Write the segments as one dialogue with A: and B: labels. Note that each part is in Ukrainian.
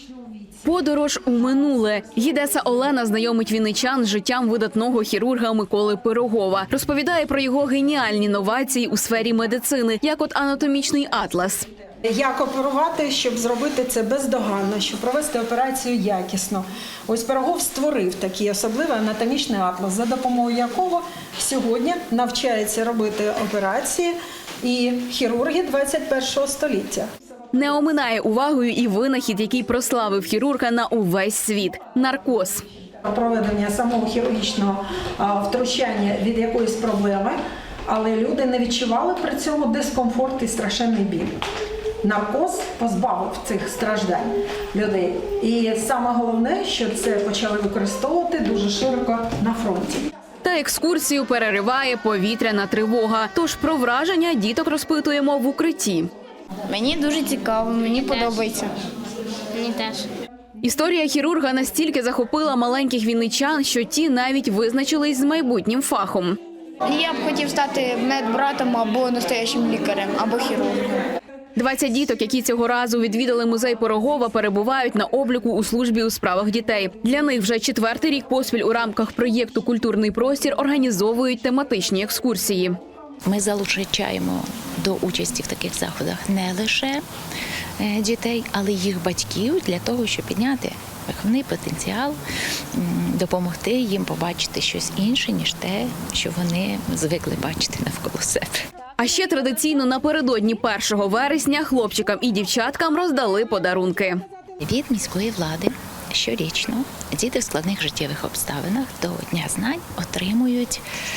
A: Подорож у минуле. Гідеса Олена знайомить вінничан з життям видатного хірурга Миколи Пирогова. Розповідає про його геніальні новації у сфері медицини, як от анатомічний атлас.
B: Як оперувати, щоб зробити це бездоганно, щоб провести операцію якісно. Ось Пирогов створив такий особливий анатомічний атлас, за допомогою якого сьогодні навчаються робити операції і хірурги 21 століття.
A: Не оминає увагою і винахід, який прославив хірурга на увесь світ – наркоз.
B: Проведення самого хірургічного втручання від якоїсь проблеми, але люди не відчували при цьому дискомфорт і страшенний біль. Наркоз позбавив цих страждань людей. І саме головне, що це почали використовувати дуже широко на фронті.
A: Та екскурсію перериває повітряна тривога. Тож про враження діток розпитуємо в укритті.
C: Мені дуже цікаво, мені подобається.
D: Мені теж.
A: Історія хірурга настільки захопила маленьких вінничан, що ті навіть визначились з майбутнім фахом.
C: Я б хотів стати медбратом або настоящим лікарем, або хірургом.
A: 20 діток, які цього разу відвідали музей Пирогова, перебувають на обліку у службі у справах дітей. Для них вже 4-й рік поспіль у рамках проєкту «Культурний простір» організовують тематичні екскурсії.
E: Ми залучаємо до участі в таких заходах не лише дітей, але й їх батьків для того, щоб підняти виховний потенціал, допомогти їм побачити щось інше, ніж те, що вони звикли бачити навколо себе.
A: А ще традиційно напередодні 1 вересня хлопчикам і дівчаткам роздали подарунки.
E: Від міської влади щорічно діти в складних життєвих обставинах до Дня знань отримують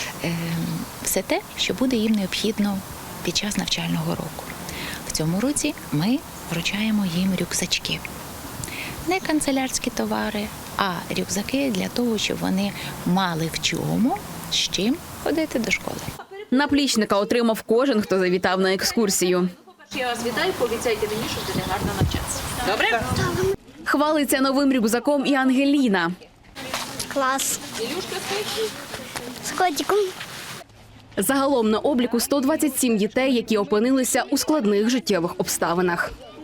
E: все те, що буде їм необхідно під час навчального року. В цьому році ми вручаємо їм рюкзачки. Не канцелярські товари, а рюкзаки для того, щоб вони мали в чому, з чим ходити до школи.
A: Наплічника отримав кожен, хто завітав на екскурсію.
F: Я вас вітаю, пообіцяйте мені, що буде гарно навчатися. Добре?
A: Хвалиться новим рюкзаком і Ангеліна.
D: Клас.
F: Ілюшка стоїть.
D: З котиком.
A: Загалом на обліку 127 дітей, які опинилися у складних життєвих обставинах.